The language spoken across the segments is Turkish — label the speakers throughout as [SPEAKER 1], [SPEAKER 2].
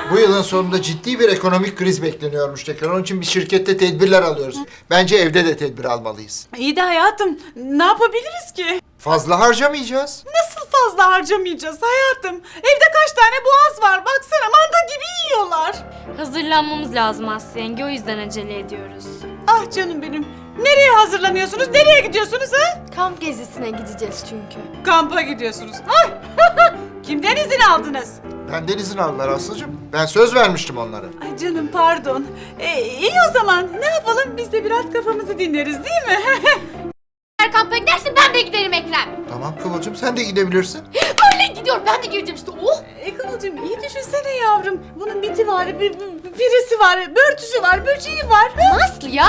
[SPEAKER 1] Bu yılın sonunda ciddi bir ekonomik kriz bekleniyormuş tekrar. Onun için bir şirkette tedbirler alıyoruz. Bence evde de tedbir almalıyız.
[SPEAKER 2] İyi de hayatım, ne yapabiliriz ki?
[SPEAKER 1] Fazla harcamayacağız.
[SPEAKER 2] Nasıl fazla harcamayacağız hayatım? Evde kaç tane boğaz var, baksana manda gibi yiyorlar.
[SPEAKER 3] Hazırlanmamız lazım Aslı yenge, o yüzden acele ediyoruz.
[SPEAKER 2] Ah canım benim, nereye hazırlanıyorsunuz, nereye gidiyorsunuz ha?
[SPEAKER 4] Kamp gezisine gideceğiz çünkü.
[SPEAKER 2] Kampa gidiyorsunuz. Ay! Kimden izin aldınız?
[SPEAKER 1] Benden izin aldılar Aslı'cığım. Ben söz vermiştim onlara.
[SPEAKER 2] Ay canım pardon. İyi o zaman, ne yapalım, biz de biraz kafamızı dinleriz değil mi?
[SPEAKER 5] Eğer kampa gidersin ben de giderim Ekrem.
[SPEAKER 1] Tamam Kıvılcım, sen de gidebilirsin.
[SPEAKER 5] Öyle gidiyorum, ben de gireceğim işte. Oh!
[SPEAKER 2] Kıvılcım iyi düşünsene yavrum. Bunun biti var, birisi var, börtüsü var, böceği var.
[SPEAKER 5] Aslı ya.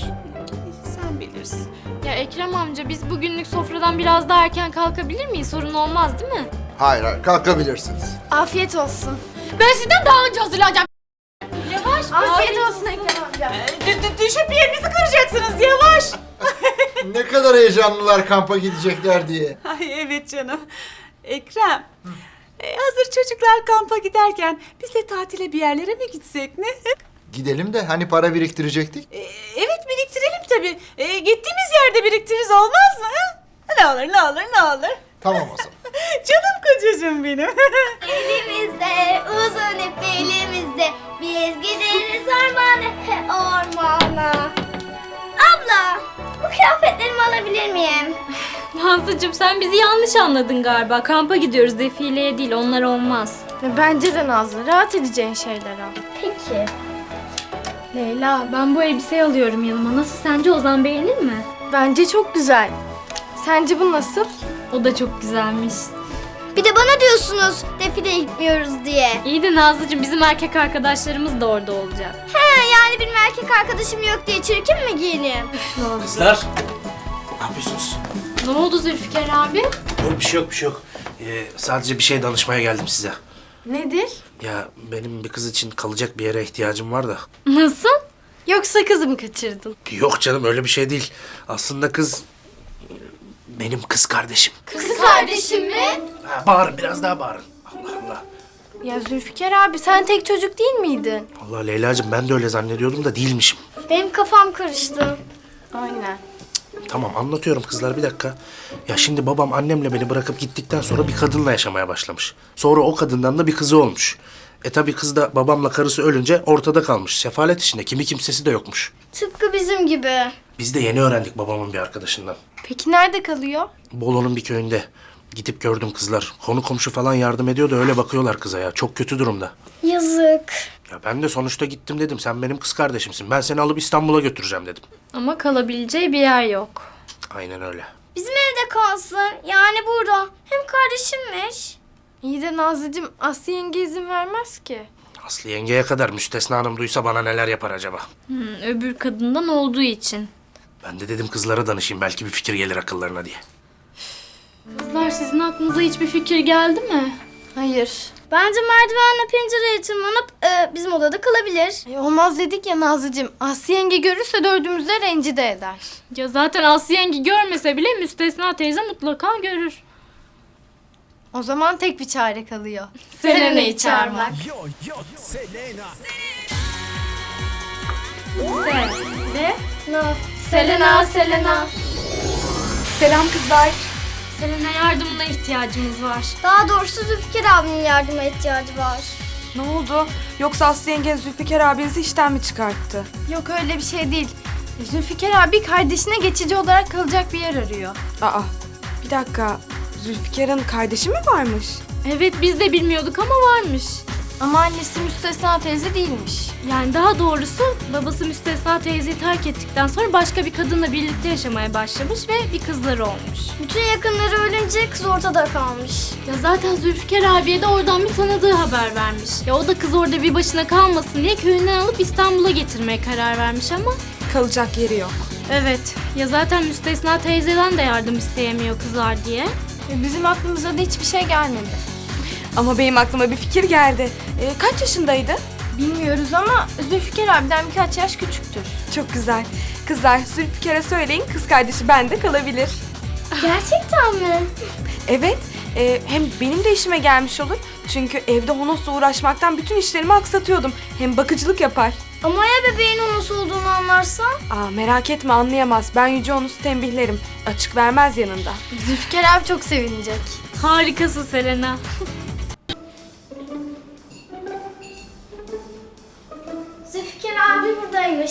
[SPEAKER 2] Sen bilirsin.
[SPEAKER 3] Ya Ekrem amca, biz bugünlük sofradan biraz daha erken kalkabilir miyiz? Sorun olmaz değil mi?
[SPEAKER 1] Hayır hayır, kalkabilirsiniz.
[SPEAKER 4] Afiyet olsun.
[SPEAKER 5] Ben sizden daha önce hazırlanacağım.
[SPEAKER 4] Afiyet olsun Ekrem amca.
[SPEAKER 2] Düşüp yerinizi kıracaksınız, yavaş.
[SPEAKER 1] Ne kadar heyecanlılar kampa gidecekler diye.
[SPEAKER 2] Ay evet canım. Ekrem, hazır çocuklar kampa giderken biz de tatile bir yerlere mi gitsek ne?
[SPEAKER 1] Gidelim de hani para biriktirecektik.
[SPEAKER 2] Evet biriktirelim tabii. Gittiğimiz yerde biriktiririz olmaz mı? Ha? Ne olur ne olur ne olur.
[SPEAKER 1] Tamam o zaman.
[SPEAKER 2] Canım kocacığım benim.
[SPEAKER 6] Elimizde uzun ip elimizde biz gideriz ormana. Abla, bu kıyafetlerimi alabilir miyim?
[SPEAKER 3] Nazlıcığım, sen bizi yanlış anladın galiba. Kampa gidiyoruz, defileye değil, onlar olmaz.
[SPEAKER 4] Bence de Nazlı, rahat edeceğin şeyler al.
[SPEAKER 6] Peki.
[SPEAKER 3] Leyla, ben bu elbiseyi alıyorum yanıma. Nasıl, sence Ozan beğenir mi?
[SPEAKER 4] Bence çok güzel. Sence bu nasıl?
[SPEAKER 3] O da çok güzelmiş.
[SPEAKER 6] Bir de bana diyorsunuz defileye gitmiyoruz diye.
[SPEAKER 3] İyi de Nazlıcığım, bizim erkek arkadaşlarımız da orada olacak.
[SPEAKER 6] He, yani benim erkek arkadaşım yok diye çirkin mi giyineyim?
[SPEAKER 7] Kızlar, ne yapıyorsunuz?
[SPEAKER 3] Ne oldu Zülfikar abi?
[SPEAKER 7] Yok, bir şey yok, bir şey yok. Sadece bir şey danışmaya geldim size.
[SPEAKER 4] Nedir?
[SPEAKER 7] Ya benim bir kız için kalacak bir yere ihtiyacım var da.
[SPEAKER 3] Nasıl?
[SPEAKER 4] Yoksa kızı mı kaçırdın?
[SPEAKER 7] Yok canım, öyle bir şey değil. Aslında kız benim kız kardeşim.
[SPEAKER 6] Kız kardeşim mi?
[SPEAKER 7] Ha, bağırın, biraz daha bağırın. Allah Allah.
[SPEAKER 4] Ya Zülfikar abi, sen tek çocuk değil miydin?
[SPEAKER 7] Allah Leyla'cığım, ben de öyle zannediyordum da değilmişim.
[SPEAKER 6] Benim kafam karıştı.
[SPEAKER 4] Aynen.
[SPEAKER 7] Tamam, anlatıyorum kızlar, bir dakika. Ya şimdi babam annemle beni bırakıp gittikten sonra bir kadınla yaşamaya başlamış. Sonra o kadından da bir kızı olmuş. Tabii kız da babamla karısı ölünce ortada kalmış. Sefalet içinde, kimi kimsesi de yokmuş.
[SPEAKER 6] Tıpkı bizim gibi.
[SPEAKER 7] Biz de yeni öğrendik babamın bir arkadaşından.
[SPEAKER 4] Peki nerede kalıyor?
[SPEAKER 7] Bolu'nun bir köyünde. Gidip gördüm kızlar. Konu komşu falan yardım ediyor da öyle bakıyorlar kıza ya. Çok kötü durumda.
[SPEAKER 6] Yazık.
[SPEAKER 7] Ya ben de sonuçta gittim dedim. Sen benim kız kardeşimsin. Ben seni alıp İstanbul'a götüreceğim dedim.
[SPEAKER 3] Ama kalabileceği bir yer yok.
[SPEAKER 7] Aynen öyle.
[SPEAKER 6] Bizim evde kalsın. Yani burada. Hem kardeşimmiş.
[SPEAKER 4] İyi de Nazlıcığım, Aslı yenge izin vermez ki.
[SPEAKER 7] Aslı yengeye kadar Müstesna Hanım duysa bana neler yapar acaba?
[SPEAKER 3] Öbür kadından olduğu için.
[SPEAKER 7] Ben de dedim kızlara danışayım. Belki bir fikir gelir akıllarına diye.
[SPEAKER 3] Kızlar, sizin aklınıza hiçbir fikir geldi mi?
[SPEAKER 4] Hayır.
[SPEAKER 6] Bence merdivenle pencereye tırmanıp bizim odada kalabilir.
[SPEAKER 4] Olmaz dedik ya Nazlıcığım. Aslı yenge görürse dördümüzü de rencide eder.
[SPEAKER 3] Ya zaten Aslı yenge görmese bile Müstesna teyze mutlaka görür.
[SPEAKER 4] O zaman tek bir çare kalıyor.
[SPEAKER 3] Selena'yı çağırmak. Selena, Selena.
[SPEAKER 4] Selam kızlar.
[SPEAKER 3] Selena, yardımına ihtiyacımız var.
[SPEAKER 6] Daha doğrusu Zülfikar abinin yardıma ihtiyacı var.
[SPEAKER 8] Ne oldu? Yoksa Aslı yengen Zülfikar abinizi işten mi çıkarttı?
[SPEAKER 4] Yok öyle bir şey değil. Zülfikar abi kardeşine geçici olarak kalacak bir yer arıyor.
[SPEAKER 8] Aa, bir dakika. Zülfikar'ın kardeşi mi varmış?
[SPEAKER 3] Evet, biz de bilmiyorduk ama varmış.
[SPEAKER 4] Ama annesi Müstesna teyze değilmiş.
[SPEAKER 3] Yani daha doğrusu babası Müstesna teyzeyi terk ettikten sonra başka bir kadınla birlikte yaşamaya başlamış ve bir kızları olmuş.
[SPEAKER 6] Bütün yakınları ölünce kız ortada kalmış.
[SPEAKER 3] Ya zaten Zülfikar abiye de oradan bir tanıdığı haber vermiş. Ya o da kız orada bir başına kalmasın diye köyünden alıp İstanbul'a getirmeye karar vermiş ama...
[SPEAKER 8] Kalacak yeri yok.
[SPEAKER 3] Evet, ya zaten Müstesna teyzeden de yardım isteyemiyor kızlar diye.
[SPEAKER 4] Bizim aklımıza da hiçbir şey gelmedi.
[SPEAKER 8] Ama benim aklıma bir fikir geldi. Kaç yaşındaydı?
[SPEAKER 4] Bilmiyoruz ama Zülfikar abiden birkaç yaş küçüktür.
[SPEAKER 8] Çok güzel. Kızlar, Zülfikar'a söyleyin, kız kardeşi bende kalabilir.
[SPEAKER 6] Gerçekten mi?
[SPEAKER 8] Evet, Hem benim de işime gelmiş olur. Çünkü evde Honos'la uğraşmaktan bütün işlerimi aksatıyordum. Hem bakıcılık yapar.
[SPEAKER 6] Ama ya bebeğin Honos olduğunu anlarsa?
[SPEAKER 8] Merak etme, anlayamaz. Ben Yüce Honos'u tembihlerim. Açık vermez yanında.
[SPEAKER 4] Zülfikar abi çok sevinecek.
[SPEAKER 3] Harikasın Selena.
[SPEAKER 6] Zülfikar abi buradaymış.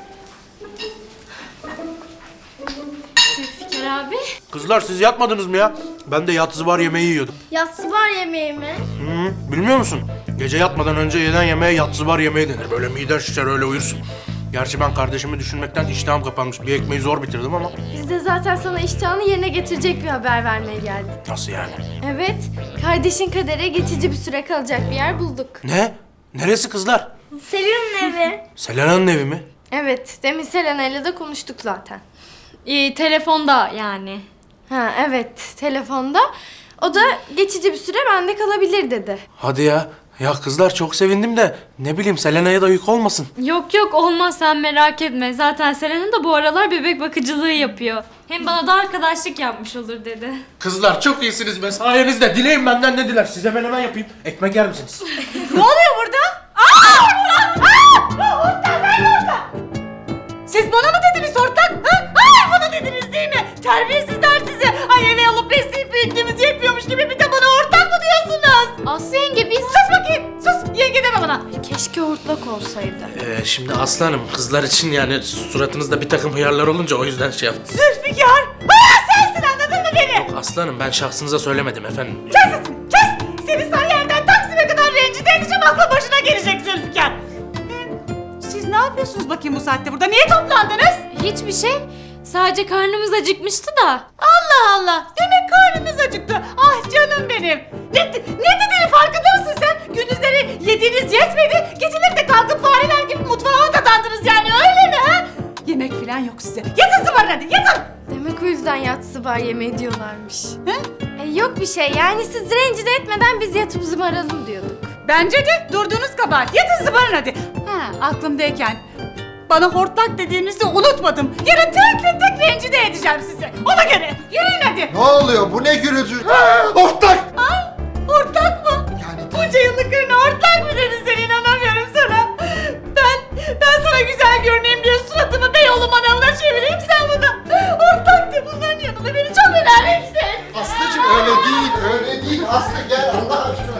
[SPEAKER 3] Zülfikar abi.
[SPEAKER 7] Kızlar siz yatmadınız mı ya? Ben de yatsı var yemeği yiyordum.
[SPEAKER 6] Yatsı var yemeği mi?
[SPEAKER 7] Bilmiyor musun? Gece yatmadan önce yenen yemeğe yatsı var yemeği denir. Böyle miden şişer öyle uyursun. Gerçi ben kardeşimi düşünmekten iştahım kapanmış. Bir ekmeği zor bitirdim ama.
[SPEAKER 4] Biz de zaten sana iştahını yerine getirecek bir haber vermeye geldik.
[SPEAKER 7] Nasıl yani?
[SPEAKER 4] Evet, kardeşin Kader'e geçici bir süre kalacak bir yer bulduk.
[SPEAKER 7] Ne? Neresi kızlar?
[SPEAKER 6] Selin'in evi.
[SPEAKER 7] Selena'nın evi mi?
[SPEAKER 4] Evet, demin Selena ile de konuştuk zaten.
[SPEAKER 3] Telefonda yani.
[SPEAKER 4] Ha evet, telefonda. O da geçici bir süre bende kalabilir dedi.
[SPEAKER 7] Hadi ya. Ya kızlar çok sevindim de ne bileyim Selena'ya da yük olmasın.
[SPEAKER 3] Yok yok olmaz sen merak etme. Zaten Selena da bu aralar bebek bakıcılığı yapıyor. Hem bana da arkadaşlık yapmış olur dedi.
[SPEAKER 7] Kızlar çok iyisiniz be sayenizde. Dileyin benden ne diler? Size ben hemen yapayım. Ekmek yer misiniz?
[SPEAKER 2] Ne oluyor burada? Siz bana mı dediniz hortlak? Hayır bana dediniz değil mi? Terbiyesizler sizi. Ay eve alıp besleyip büyüttüğümüz yetmiyormuş gibi bir de bana hortlak mı diyorsunuz?
[SPEAKER 4] Aslı yenge biz...
[SPEAKER 2] Sus bakayım sus yenge deme bana.
[SPEAKER 4] Keşke hortlak olsaydı.
[SPEAKER 7] Şimdi Aslı Hanım kızlar için yani suratınızda bir takım hıyarlar olunca o yüzden şey yaptım.
[SPEAKER 2] Zülfikar. Sensin anladın mı beni?
[SPEAKER 7] Aslı Hanım ben şahsınıza söylemedim efendim.
[SPEAKER 2] Kes sesini kes. Seni Sarıyer'den Taksim'e kadar rencide edeceğim aklı başına gelecek Zülfikar. Siz ne yapıyorsunuz bakayım bu saatte burada? Niye toplandınız?
[SPEAKER 3] Hiçbir şey. Sadece karnımız acıkmıştı da.
[SPEAKER 2] Allah Allah. Demek karnınız acıktı. Ah canım benim. Ne dediğini farkında mısın sen? Gündüzleri yediğiniz yetmedi. Geceleri de kalkıp fareler gibi mutfağa dadandınız yani öyle mi ha? Yemek falan yok size. Yatın zıbarın hadi yatın.
[SPEAKER 4] Demek o yüzden yatsı var yemeği diyorlarmış. Yok bir şey yani siz rencide etmeden biz yatıp zımaralım diyorduk.
[SPEAKER 2] Bence de durduğunuz kabahat. Yatın zıbarın hadi. Aklımdayken bana hortlak dediğinizi unutmadım. Yarın tek rencide edeceğim sizi. Ona göre. Yürüyün hadi.
[SPEAKER 1] Ne oluyor? Bu ne gürültü? Hortlak!
[SPEAKER 2] Hortlak mı?
[SPEAKER 1] Yani
[SPEAKER 2] Bunca yıllık karına hortlak mı dedin sen? İnanamıyorum sana. Ben sana güzel görüneyim diye suratımı Beyoğlu manavına çevireyim sen bana. Hortlak de bunların yanında beni çok önemli işte.
[SPEAKER 1] Aslıcığım öyle değil, öyle değil. Aslı gel Allah aşkına.